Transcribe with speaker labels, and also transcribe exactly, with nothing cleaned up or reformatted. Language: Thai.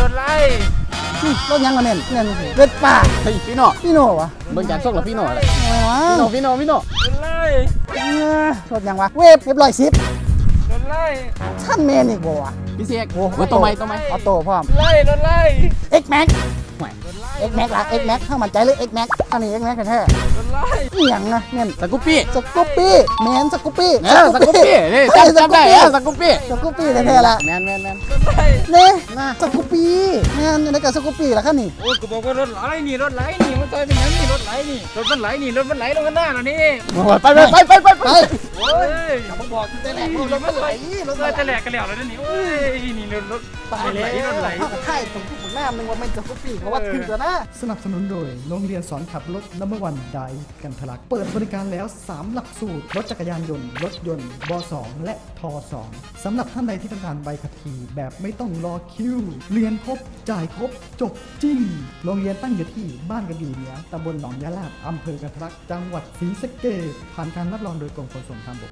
Speaker 1: ถไล่
Speaker 2: รถยังมาเน้นเน้นเล็ดป่า
Speaker 3: เฮ้ยพี่โน่
Speaker 2: พี่โน่วะ
Speaker 3: เบิ่งจากส่งหรอพี่โน่อะไร
Speaker 2: อะไรวะ
Speaker 3: พี่โน่พี่โน่พี่โน่
Speaker 1: รถไล่
Speaker 2: รถยังวะเวฟเรียบร้อยสิบ
Speaker 1: รถไล่
Speaker 2: ท่านเมนอีกบ่วะ
Speaker 3: พี่เสก
Speaker 2: โอ้
Speaker 3: เบิ่งตัวไหมตัวไหม
Speaker 2: ออโต้พร้อม
Speaker 1: ไล่รถไล่
Speaker 2: X Max
Speaker 3: ห่วย
Speaker 2: X Max ละ X Max ถ้ามันใจเลย X Max ท่านี้ X Max แท้
Speaker 1: รถไล่
Speaker 2: ๆอีหยังนะเน้น
Speaker 3: สกูปปี้
Speaker 2: สกูปปี้แมนสกูปปี้
Speaker 3: เออสกูปปี้นี่จำจำได้เออสกูปปี้
Speaker 2: สกูปปี้แท้ๆละ
Speaker 3: แมนแมนแมน
Speaker 1: รถไล่
Speaker 2: เนี่ย
Speaker 3: น่า
Speaker 2: สกูปปี้แมนในกับสกูปปี้ละคันนี่
Speaker 1: โอ้กูบอกว่ารถไหลนี่รถไหลนี่มันต่อยเป็นยังนี่รถไหลนี่รถมันไหลนี่รถมันไหลลงกันหน้าแล้วนี่
Speaker 3: ไปไปไปไปไป
Speaker 2: ไป
Speaker 1: โอ้ยผมบอกแต่แหลกรถมันไหลรถแต่แหลกกันแล้วแล้วนี่โอ้ยนี่รถรถ
Speaker 2: ตาย
Speaker 1: ไหล
Speaker 2: แล้ว
Speaker 1: รถไหล
Speaker 2: เข้ากับค่ายตรงที่ผมแม่นึงว่าไม่สกูปปี้เขาว่าถึงแล้วนะ
Speaker 4: สนับสนุนโดยโรงเรียนสอนขับรถนัมเบอร์วันไดกันทะลัก เปิดบริการแล้ว สาม หลักสูตร รถจักรยานยนต์ รถยนต์บ สอง และท สอง สำหรับท่านใดที่ต้องการใบขับขี่แบบไม่ต้องรอคิว เรียนครบ จ่ายครบ จบจริง โรงเรียนตั้งอยู่ที่บ้านกระบี่เหนือตำบลหนองยะลาดอำเภอกันทะลัก จังหวัดศรีสะเกษผ่านการรับรองโดยกรมขนส่งทางบก